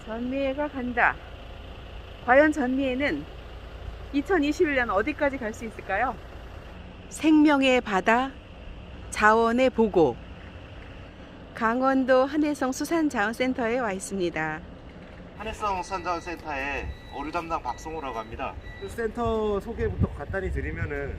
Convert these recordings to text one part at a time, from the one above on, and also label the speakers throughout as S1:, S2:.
S1: 전미애가 간다. 과연 전미애는 2021년 어디까지 갈 수 있을까요? 생명의 바다, 자원의 보고. 강원도 한해성 수산자원센터에 와 있습니다.
S2: 한해성 수산자원센터의 어류 담당 박성호라고 합니다.
S3: 그 센터 소개부터 간단히 드리면은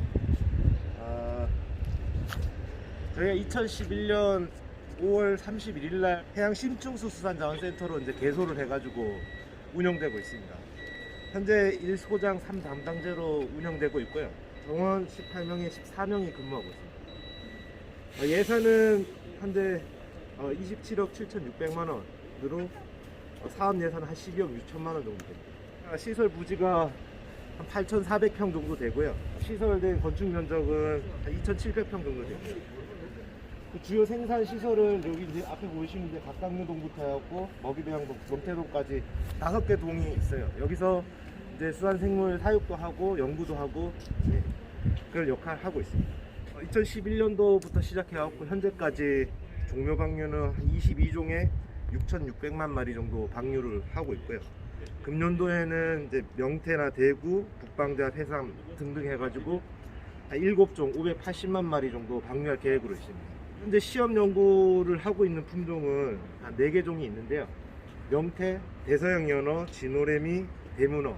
S3: 저희가 2011년 5월 31일 날 해양 심층수 수산자원센터로 이제 개소를 해가지고 운영되고 있습니다. 현재 1소장 3담당제로 운영되고 있고요. 정원 18명에 14명이 근무하고 있습니다. 예산은 현재 27억 7,600만 원으로 사업 예산은 한 12억 6천만 원 정도 됩니다. 시설 부지가 한 8,400평 정도 되고요. 시설된 건축 면적은 한 2,700평 정도 됩니다. 그 주요 생산 시설은 여기 이제 앞에 보시는 데 각각류동부터 해갖고 먹이배양동, 명태동까지 5개 동이 있어요. 여기서 이제 수산생물 사육도 하고 연구도 하고 그런 역할을 하고 있습니다. 2011년도부터 시작해갖고 현재까지 종묘 방류는 한 22종에 6,600만 마리 정도 방류를 하고 있고요. 금년도에는 이제 명태나 대구, 북방자, 해삼 등등 해가지고 한 7종 580만 마리 정도 방류할 계획으로 있습니다. 현재 시험 연구를 하고 있는 품종은 한 4개 종이 있는데요. 명태, 대서양 연어, 진오래미, 대문어,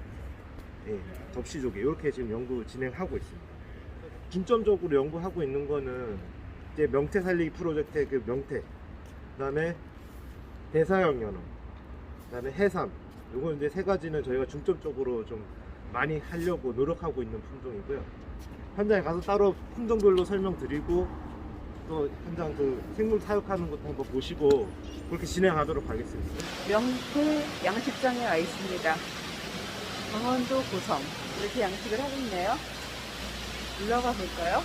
S3: 접시조개 이렇게 지금 연구 진행하고 있습니다. 중점적으로 연구하고 있는 거는 이제 명태 살리기 프로젝트의 그 명태, 그다음에 대서양 연어, 그다음에 해삼. 요거 이제 3가지는 저희가 중점적으로 좀 많이 하려고 노력하고 있는 품종이고요. 현장에 가서 따로 품종별로 설명드리고 또 현장 그 생물 사육하는 것도 한번 보시고 그렇게 진행하도록 하겠습니다.
S1: 명태 양식장에 와 있습니다. 강원도 고성 이렇게 양식을 하고 있네요. 올라가 볼까요?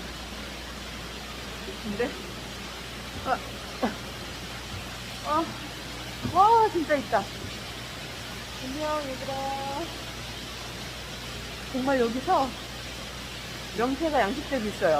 S1: 근데 와 진짜 있다. 안녕 얘들아. 정말 여기서 명태가 양식되고 있어요.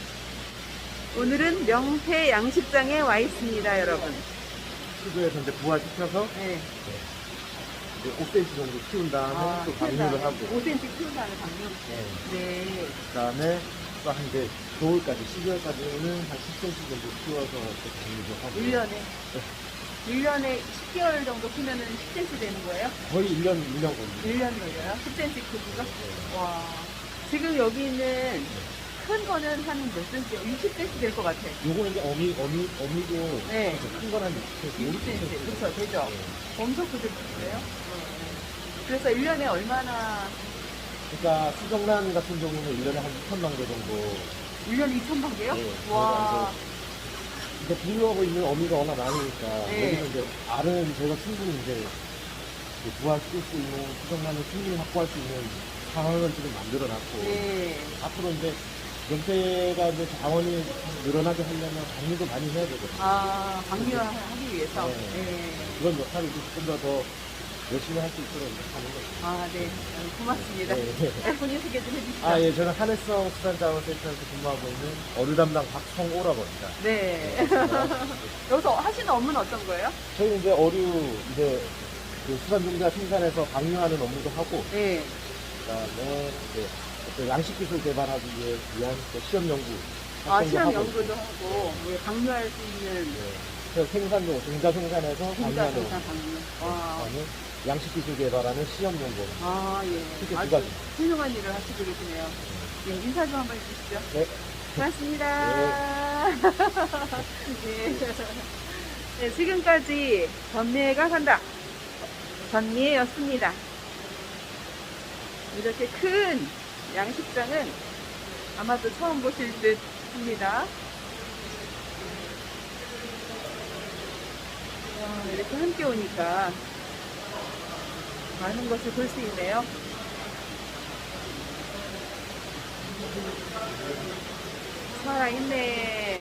S1: 오늘은 명태 양식장에 와 있습니다, 여러분.
S3: 수조에서 이제 부화시켜서
S1: 네.
S3: 이제 5cm 정도 키운 다음에 또 방류를 하고
S1: 5cm 키운 다음에 방류. 네.
S3: 그다음에 또 한 이제 겨울까지 12월까지는 한 10cm 정도 키워서 또 방류도 하고
S1: 1년에 10개월 정도 키면은 10cm 되는 거예요?
S3: 거의 1년 걸립니다.
S1: 1년 걸려요? 10cm 크기가? 와. 지금 여기 있는 큰 거는 한 몇 cm? 60cm 될 것 같아.
S3: 요거는 이제 어미고
S1: 네.
S3: 큰 건 한 60cm,
S1: 60cm. 그렇죠. 되죠?
S3: 네.
S1: 엄청 크겠는데요? 그래서 1년에 얼마나,
S3: 그러니까 수정란 같은 경우는 1년에 한 2,000만 개 정도.
S1: 1년에 2,000만 개요?
S3: 네.
S1: 와.
S3: 근데 분류하고 있는 어미가 워낙 많으니까
S1: 네.
S3: 여기서 이제 알은 저희가 충분히 이제 부화시킬 수 있는 수정란을 충분히 확보할 수 있는 상황을 지금 만들어놨고
S1: 네.
S3: 앞으로 이제 명태가 이제 자원이 늘어나게 하려면 방류도 많이 해야 되거든요.
S1: 아, 방류하기 위해서?
S3: 네.
S1: 네.
S3: 그런 역할을 조금 더 열심히 할 수 있도록 이렇게 하는 거죠.
S1: 아, 네. 고맙습니다.
S3: 네.
S1: 본인 소개 좀 해주시죠.
S3: 아, 예, 저는 한해성 수산자원센터에서 근무하고 있는 어류 담당 박성호라고 합니다.
S1: 네. 여기서 하시는 업무는 어떤 거예요?
S3: 저희 이제 어류 이제 그 수산종자 생산해서 방류하는 업무도 하고,
S1: 네.
S3: 그다음에 이제 어떤 양식 기술 개발하기 위한 또 시험 연구
S1: 아,
S3: 활동도
S1: 실험
S3: 하고
S1: 연구도
S3: 있고요.
S1: 하고, 예, 방류할 수 있는
S3: 그래서 생산용 종자 생산해서
S1: 공자
S3: 방류하는
S1: 생산 방류. 와.
S3: 그다음에 양식 기술 개발하는 시험 연구.
S1: 아, 예.
S3: 이렇게 두
S1: 아주
S3: 가지.
S1: 훌륭한 일을 하시고 계시네요. 예, 인사 좀 한번 해주시죠.
S3: 네.
S1: 고맙습니다. 네. 네, 지금까지 전미애가 간다. 전미애였습니다. 이렇게 큰 양식장은 아마도 처음 보실 듯 합니다. 와, 이렇게 함께 오니까 많은 것을 볼 수 있네요. 살아있네.